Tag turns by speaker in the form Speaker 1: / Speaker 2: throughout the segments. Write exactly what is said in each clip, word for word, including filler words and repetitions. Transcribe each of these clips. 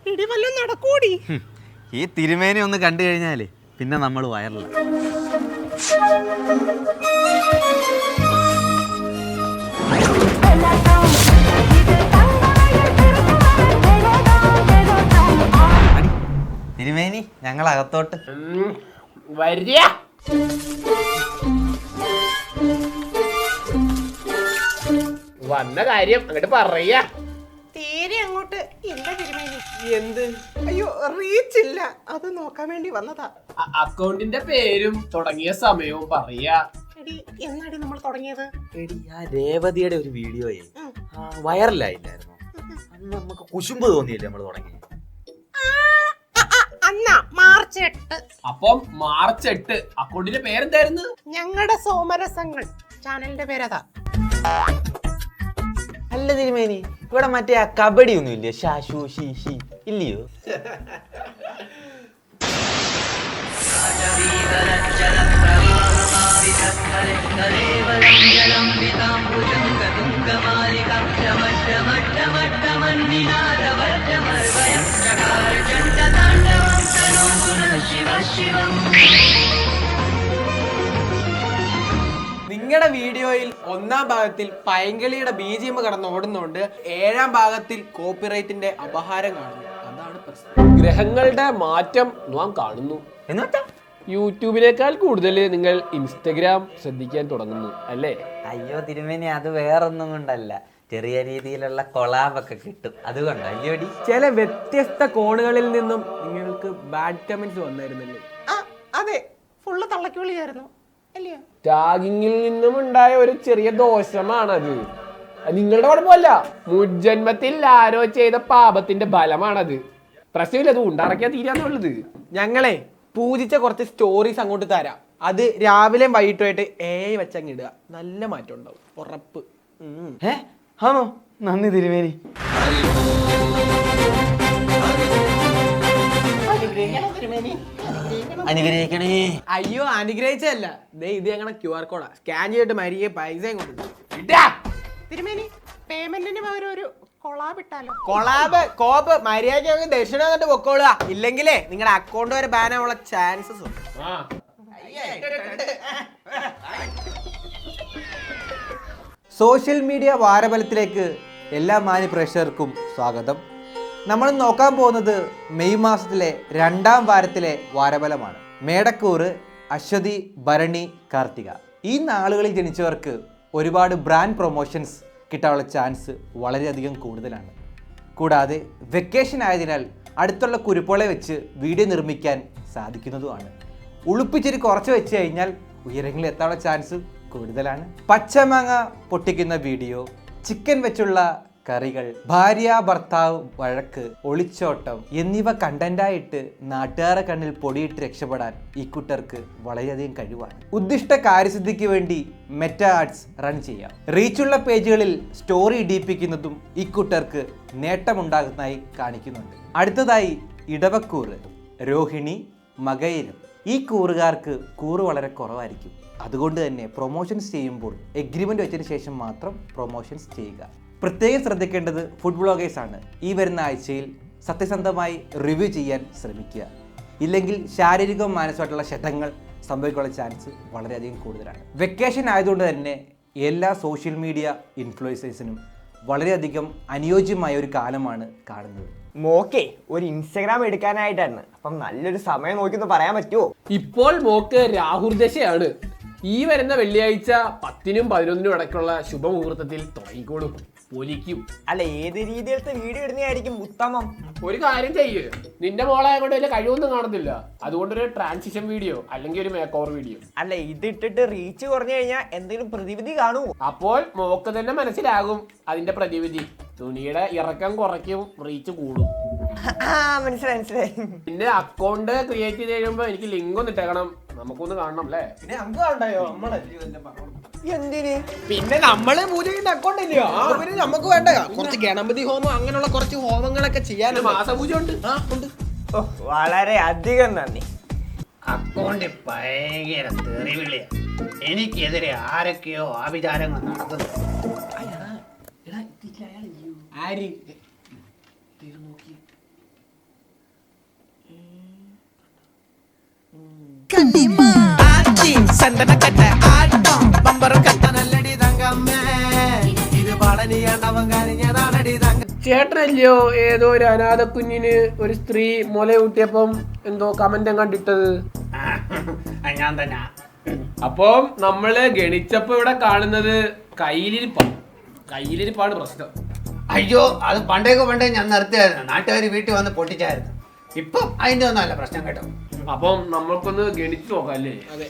Speaker 1: ഇടിവല്ലോ നടക്കൂടി.
Speaker 2: ഈ തിരുമേനി ഒന്ന് കണ്ടു കഴിഞ്ഞാല് പിന്നെ നമ്മൾ വയറില്ല. തിരുമേനി ഞങ്ങൾ അകത്തോട്ട്
Speaker 1: വരിക. വന്ന കാര്യം അങ്ങോട്ട് പറയാ. തീരെ അങ്ങോട്ട് ഇല്ല തിരുമേനി. എന്ത്? അയ്യോ റീച്ച് ഇല്ല, അത് നോക്കാൻ വേണ്ടി വന്നതാ. അക്കൗണ്ടിന്റെ പേരും തുടങ്ങിയ സമയവും പറയാ. എന്നാടി നമ്മൾ തുടങ്ങിയത്?
Speaker 2: എടി ആ രേവതിയുടെ ഒരു വീഡിയോയെ വൈറലായില്ലായിരുന്നു? അന്ന് നമുക്ക് കുശുമ്പ് തോന്നിയില്ലേ നമ്മൾ തുടങ്ങി?
Speaker 1: മാർച്ച് എട്ട്.
Speaker 3: അപ്പം മാർച്ച് എട്ട് അക്കൗണ്ടിന്റെ പേരെന്തായിരുന്നു?
Speaker 1: ഞങ്ങളുടെ സോമരസങ്ങൾ ചാനലിന്റെ പേരതാ.
Speaker 2: അല്ല തിരുമേനി, ഇവിടെ മറ്റേ ആ കബഡി ഒന്നും ഇല്ലേ? ഷാഷു ഷീഷി ഇല്ലയോ?
Speaker 4: നിങ്ങളുടെ വീഡിയോയിൽ ഒന്നാം ഭാഗത്തിൽ പൈങ്കളിയുടെ ബീജിഎം കടന്ന് ഓടുന്നോണ്ട് ഏഴാം ഭാഗത്തിൽ കോപ്പിറൈറ്റിന്റെ അപഹാരം കാണുന്നു. അതാണ് പ്രശ്നം.
Speaker 3: ഗ്രഹങ്ങളുടെ മാറ്റം നാം കാണുന്നു.
Speaker 2: എന്നിട്ടാ
Speaker 3: യൂട്യൂബിനേക്കാൾ കൂടുതൽ നിങ്ങൾ ഇൻസ്റ്റഗ്രാം ശ്രദ്ധിക്കാൻ തുടങ്ങുന്നു അല്ലേ?
Speaker 2: അയ്യോ തിരുമേനി, അത് വേറൊന്നും കൊണ്ടല്ല, ചെറിയ രീതിയിലുള്ള കൊളാബൊക്കെ കിട്ടും അതുകൊണ്ടോ അല്ലയോടി?
Speaker 4: ചില വ്യത്യസ്ത കോണുകളിൽ നിന്നും നിങ്ങൾക്ക് ബാഡ് കമന്റ്സ് വന്നായിരുന്നല്ലേ?
Speaker 1: അതെ, ഫുള്ള് തള്ളക്കുവിളിയായിരുന്നു അല്ലയോ?
Speaker 3: ടാഗിങ്ങിൽ നിന്നും ഉണ്ടായ ഒരു ചെറിയ ദോഷമാണത്. നിങ്ങളുടെ കുഴപ്പമല്ല, മുജ്ജന്മത്തിൽ ആരോ ചെയ്ത പാപത്തിന്റെ ഫലമാണത്. പ്രശ്നമില്ല, അത് ഉണ്ടാക്കിയാൽ തീരാന്നുള്ളത്.
Speaker 4: ഞങ്ങളെ പൂജിച്ച കുറച്ച് സ്റ്റോറീസ് അങ്ങോട്ട് തരാം. അത് രാവിലെയും വൈകിട്ടുമായിട്ട് ഏ വെച്ചങ്ങ് ഇടുക. നല്ല മാറ്റം ഉണ്ടാവും, ഉറപ്പ്.
Speaker 2: ഏ ആണോ? നന്ദി തിരുമേനി. അനുഗ്രഹിക്കണേ.
Speaker 4: അയ്യോ അനുഗ്രഹിച്ചല്ല, ദേ ഇത് ഞങ്ങളുടെ ക്യു ആർ കോഡാ. സ്കാൻ ചെയ്തിട്ട് മരിയെ പൈസയും കൊടുക്കും.
Speaker 1: തിരുമേനി, പേയ്മെന്റിന് പകരം ഒരു കൊളാബ് ഇട്ടാലോ?
Speaker 4: കൊളാബ് കോപ്പ് മര്യാദയ്ക്ക് ദക്ഷിണ എന്നിട്ട് പൊക്കോളുക. ഇല്ലെങ്കിലേ നിങ്ങളുടെ അക്കൗണ്ട് വരെ ബാൻ ആവാനുള്ള ചാൻസസ് ഉണ്ട്. സോഷ്യൽ മീഡിയ വാരഫലത്തിലേക്ക് എല്ലാ മാന്യ പ്രേക്ഷകർക്കും സ്വാഗതം. നമ്മൾ നോക്കാൻ പോകുന്നത് മെയ് മാസത്തിലെ രണ്ടാം വാരത്തിലെ വാരഫലമാണ്. മേടക്കൂറ്, അശ്വതി, ഭരണി, കാർത്തിക ഈ നാളുകളിൽ ജനിച്ചവർക്ക് ഒരുപാട് ബ്രാൻഡ് പ്രൊമോഷൻസ് കിട്ടാനുള്ള ചാൻസ് വളരെയധികം കൂടുതലാണ്. കൂടാതെ വെക്കേഷൻ ആയതിനാൽ അടുത്തുള്ള കുരുപ്പോളെ വെച്ച് വീഡിയോ നിർമ്മിക്കാൻ സാധിക്കുന്നതുമാണ്. ഉളുപ്പിച്ചിരി കുറച്ച് വെച്ച് കഴിഞ്ഞാൽ ഉയരങ്ങളിൽ എത്താനുള്ള ചാൻസ് കൂടുതലാണ്. പച്ചമാങ്ങ പൊട്ടിക്കുന്ന വീഡിയോ, ചിക്കൻ വെച്ചുള്ള കറികൾ, ഭാര്യ ഭർത്താവ് വഴക്ക്, ഒളിച്ചോട്ടം എന്നിവ കണ്ടന്റായിട്ട് നാട്ടുകാരെ കണ്ണിൽ പൊടിയിട്ട് രക്ഷപ്പെടാൻ ഈ കൂട്ടർക്ക് വളരെയധികം കഴിവാണ്. ഉദ്ദിഷ്ട കാര്യസിദ്ധിക്ക് വേണ്ടി മെറ്റ ആർട്സ് റൺ ചെയ്യാം. റീച്ചുള്ള പേജുകളിൽ സ്റ്റോറി ഇടിപ്പിക്കുന്നതും ഈ കൂട്ടർക്ക് നേട്ടമുണ്ടാകുന്നതായി കാണിക്കുന്നുണ്ട്. അടുത്തതായി ഇടവക്കൂറ്, രോഹിണി, മകയിരം. ഈ കൂറുകാർക്ക് കൂറ് വളരെ കുറവായിരിക്കും. അതുകൊണ്ട് തന്നെ പ്രൊമോഷൻസ് ചെയ്യുമ്പോൾ എഗ്രിമെന്റ് വെച്ചതിന് ശേഷം മാത്രം പ്രൊമോഷൻസ് ചെയ്യുക. പ്രത്യേകം ശ്രദ്ധിക്കേണ്ടത് ഫുഡ് ബ്ലോഗേഴ്സ് ആണ്. ഈ വരുന്ന ആഴ്ചയിൽ സത്യസന്ധമായി റിവ്യൂ ചെയ്യാൻ ശ്രമിക്കുക. ഇല്ലെങ്കിൽ ശാരീരികവും മാനസികമായിട്ടുള്ള ക്ഷതങ്ങൾ സംഭവിക്കാനുള്ള ചാൻസ് വളരെയധികം കൂടുതലാണ്. വെക്കേഷൻ ആയതുകൊണ്ട് തന്നെ എല്ലാ സോഷ്യൽ മീഡിയ ഇൻഫ്ലുവൻസേഴ്സിനും വളരെയധികം അനുയോജ്യമായ ഒരു കാലമാണ് കാണുന്നത്.
Speaker 5: മോക്കേ ഒരു ഇൻസ്റ്റഗ്രാം എടുക്കാനായിട്ടാണ്. അപ്പം നല്ലൊരു സമയം നോക്കിയൊന്ന് പറയാൻ പറ്റുമോ?
Speaker 3: ഇപ്പോൾ മോക്ക് രാഹുർദശയാണ്. ഈ വരുന്ന വെള്ളിയാഴ്ച പത്തിനും പതിനൊന്നിനും ഇടയ്ക്കുള്ള ശുഭമുഹൂർത്തത്തിൽ തുടങ്ങിക്കോളും. പൊലിക്കും.
Speaker 5: അല്ല, ഏത് രീതിയിലത്തെ വീഡിയോ ഇടുന്നതായിരിക്കും ഉത്തമം?
Speaker 3: ഒരു കാര്യം ചെയ്യ്, നിന്റെ മോളെ കൊണ്ട് വലിയ കഴിവൊന്നും കാണത്തില്ല. അതുകൊണ്ടൊരു ട്രാൻസിഷൻ വീഡിയോ അല്ലെങ്കിൽ ഒരു മേക്ക് ഓവർ വീഡിയോ.
Speaker 5: അല്ല, ഇതിട്ടിട്ട് റീച്ച് കുറഞ്ഞു കഴിഞ്ഞാൽ എന്തെങ്കിലും പ്രതിവിധി കാണുമോ?
Speaker 3: അപ്പോൾ മോക്ക് തന്നെ മനസ്സിലാകും അതിന്റെ പ്രതിവിധി. തുണിയുടെ ഇറക്കം കുറയ്ക്കും, റീച്ച് കൂടും.
Speaker 5: മനസ്സിലായി മനസ്സിലായി.
Speaker 3: പിന്നെ അക്കൗണ്ട് ക്രിയേറ്റ് ചെയ്ത് കഴിയുമ്പോ എനിക്ക് ലിങ്ക് ഒന്ന് ഇട്ടേക്കണം, നമുക്കൊന്ന് കാണണം അല്ലേ?
Speaker 4: പിന്നെ നമുക്ക് കണ്ടായോ
Speaker 5: എന്തിന്?
Speaker 4: പിന്നെ നമ്മള് പൂജ ചെയ്യുന്ന അക്കൗണ്ട് ഇല്ലയോ? പിന്നെ നമുക്ക് വേണ്ട കുറച്ച് ഗണപതി ഹോമം അങ്ങനെയുള്ള കുറച്ച് ഹോമങ്ങളൊക്കെ ചെയ്യാൻ
Speaker 3: മാസപൂജ ഉണ്ട്.
Speaker 5: ഓ, വളരെ അധികം നന്ദി.
Speaker 6: അക്കൗണ്ട് ഭയങ്കര തെറിവിളിയാ. എനിക്കെതിരെ ആരൊക്കെയോ ആഭിചാരങ്ങൾ നടത്തുന്നു.
Speaker 4: ആര്
Speaker 3: ചേട്ടനല്ലയോ ഏതോ ഒരു അനാഥ കുഞ്ഞിന് ഒരു സ്ത്രീ മുലയൂട്ടിയപ്പം എന്തോ കമന്റ് കണ്ടിട്ടത്?
Speaker 6: ഞാൻ തന്നെ.
Speaker 3: അപ്പം നമ്മള് ഗണിച്ചപ്പോ ഇവിടെ കാണുന്നത് കയ്യിലിരിപ്പാണ്. കയ്യിലിരിപ്പാണ് പ്രശ്നം.
Speaker 6: അയ്യോ അത് പണ്ടേക്ക് പണ്ടേ ഞാൻ നിർത്തിയായിരുന്നു. നാട്ടുകാർ വീട്ടിൽ വന്ന് പൊട്ടിച്ചായിരുന്നു. ഇപ്പം അതിന്റെ ഒന്നും അല്ല പ്രശ്നം കേട്ടോ.
Speaker 3: അപ്പം നമ്മൾക്കൊന്ന് ഗണിച്ചു നോക്കാം അല്ലേ?
Speaker 1: അതെ.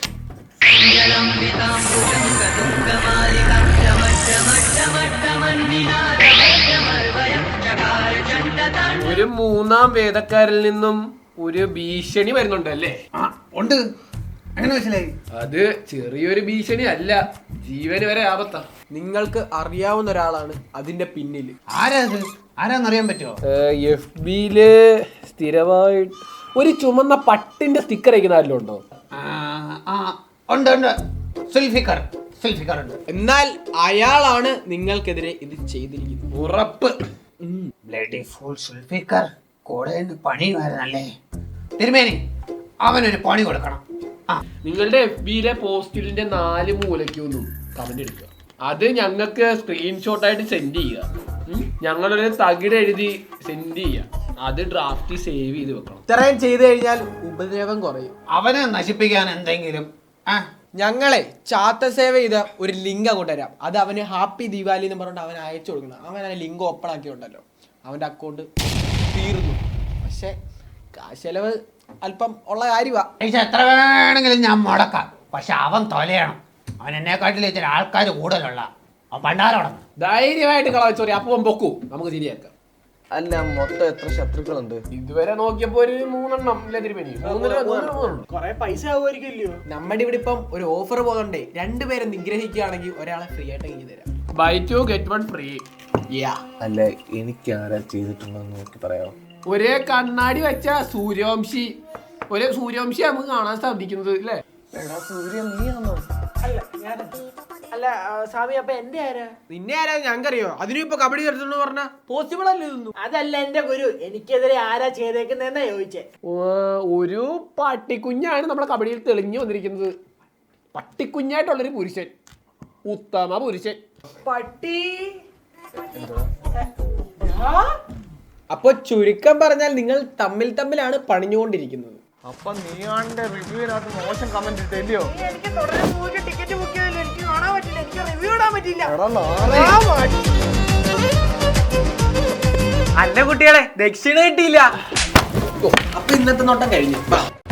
Speaker 3: ഒരു മൂന്നാം വേദക്കാരിൽ നിന്നും ഒരു ഭീഷണി വരുന്നുണ്ട് അല്ലേ?
Speaker 6: ആ ഉണ്ട്. അങ്ങനെ മനസ്സിലായി?
Speaker 3: അത് ചെറിയൊരു ഭീഷണി അല്ല, ജീവന് വരെ ആപത്താ.
Speaker 1: നിങ്ങൾക്ക് അറിയാവുന്ന ഒരാളാണ് അതിന്റെ പിന്നിൽ.
Speaker 6: ആരാ അത്? ആരാന്നറിയാൻ പറ്റുമോ?
Speaker 3: എഫ് ബിയില് സ്ഥിരമായിട്ട് ഒരു ചുമന്ന പട്ടിന്റെ സ്റ്റിക്കർ അയക്കുന്ന ഉണ്ടോ?
Speaker 6: ആ ആ, ഉണ്ട് ഉണ്ട്. സുൽഫിക്കർ സുൽഫിക്കർ ഉണ്ട്.
Speaker 1: എന്നാൽ അയാളാണ് നിങ്ങൾക്കെതിരെ ഇത് ചെയ്തിരിക്കുന്നത്.
Speaker 3: ഉറപ്പ്.
Speaker 6: ബ്ലഡി ഫുൾ സുൽഫിക്കർ കൂടെ നിന്ന് പണി വരുന്നല്ലേ. തിരുമേനി അവനൊരു പണി കൊടുക്കണം. ആ
Speaker 3: നിങ്ങളുടെ എഫ് ബിയിലെ പോസ്റ്റിലിന്റെ നാല് മൂലയ്ക്കൊന്നും കമന്റ് എടുക്കുക. അത് ഞങ്ങൾക്ക് സ്ക്രീൻഷോട്ടായിട്ട് സെൻഡ് ചെയ്യുക. ഉം. ഞങ്ങളൊരു തകിട് എഴുതി സെൻഡ് ചെയ്യുക. അത് ഡ്രാഫ്റ്റ് സേവ് ചെയ്ത് വെക്കണം.
Speaker 1: ഇത്രയും ചെയ്തു കഴിഞ്ഞാൽ ഉപദ്രവം കുറയും.
Speaker 6: അവനെ നശിപ്പിക്കാൻ എന്തെങ്കിലും ആ
Speaker 1: ഞങ്ങളെ ചാത്ത സേവ ചെയ്ത ഒരു ലിങ്ക് അങ്ങോട്ട് തരാം. അത് അവന് ഹാപ്പി ദീപാവലി എന്ന് പറഞ്ഞിട്ട് അവൻ അയച്ചു കൊടുക്കണം. അവൻ ആ ലിങ്ക് ഓപ്പൺ ആക്കിയിട്ടുണ്ടല്ലോ, അവന്റെ അക്കൗണ്ട് തീർന്നു. പക്ഷെ കാശ് ചെലവ് അല്പം ഉള്ള കാര്യമാണ്.
Speaker 6: പൈസ എത്ര വേണമെങ്കിലും ഞാൻ മുടക്കാം. പക്ഷെ അവൻ തൊലയണം. അവൻ എന്നെക്കാട്ടിൽ ഇച്ചിരി ആൾക്കാർ കൂടുതലുള്ള അവൻ പണ്ടാരോടണം.
Speaker 3: ധൈര്യമായിട്ട് കളവച്ചോറി അപ്പം പൊക്കൂ, നമുക്ക് ശരിയാക്കാം.
Speaker 4: അല്ല മൊത്തം എത്ര ശത്രുക്കളുണ്ട്?
Speaker 3: ഇതുവരെ നോക്കിയപ്പോ ഒരു മൂന്നെണ്ണം ഇല്ല തിരുമേനി. മൂന്നിന് മൂന്നെണ്ണം.
Speaker 1: കൊറേ പൈസ ആവുമായിരിക്കില്ലയോ? നമ്മുടെ ഇവിടെ ഇപ്പം ഒരു ഓഫർ പോകുന്നുണ്ടേ. രണ്ടുപേരെ നിഗ്രഹിക്കുകയാണെങ്കിൽ ഒരാളെ ഫ്രീ ആയിട്ട് എഴുതി തരാം.
Speaker 3: Buy two get one free.
Speaker 2: അല്ല എനിക്ക് ആരാ ചെയ്തിട്ടുണ്ടെന്ന് നോക്കി പറയാമോ?
Speaker 3: ഒരേ കണ്ണാടി വെച്ച സൂര്യവംശി, ഒരേ സൂര്യവംശി നമുക്ക് കാണാൻ സാധിക്കുന്നത് അല്ലേ?
Speaker 1: അല്ല സ്വാമി, അപ്പൊ എന്റെ ആരാ? നിന്നെ ആരാ ഞങ്ങറിയോ? അതിനും ഇപ്പൊ കബഡി കളിച്ചോണ്ട് പറഞ്ഞ പോസിബിൾ അല്ലേ ഇതൊന്നും? അതല്ല എന്റെ ഗുരു, എനിക്കെതിരെ ആരാ ചെയ്തേക്കുന്നതെന്നാ ചോദിച്ചേ.
Speaker 3: ഒരു പട്ടിക്കുഞ്ഞാണ് നമ്മുടെ കബഡിയിൽ തെളിഞ്ഞു വന്നിരിക്കുന്നത്. പട്ടിക്കുഞ്ഞായിട്ടുള്ളൊരു പുരുഷൻ, ഉത്തമ പുരുഷൻ.
Speaker 1: പട്ടി. അപ്പൊ ചുരുക്കം പറഞ്ഞാൽ നിങ്ങൾ തമ്മിൽ തമ്മിലാണ് പണിഞ്ഞുകൊണ്ടിരിക്കുന്നത്.
Speaker 5: അപ്പൊ നീ റിവ്യൂവിനകത്ത് മോശം കമന്റ് ഇട്ടില്ലയോ?
Speaker 1: ടിക്കറ്റ് ബുക്ക് ചെയ്തില്ല, എനിക്ക് കാണാൻ പറ്റില്ല, എനിക്ക് റിവ്യൂ ഇടാൻ പറ്റില്ല. അല്ല കുട്ടികളെ, ദക്ഷിണ കിട്ടിയില്ല. അപ്പൊ ഇന്നത്തെ നോട്ടം കഴിഞ്ഞു.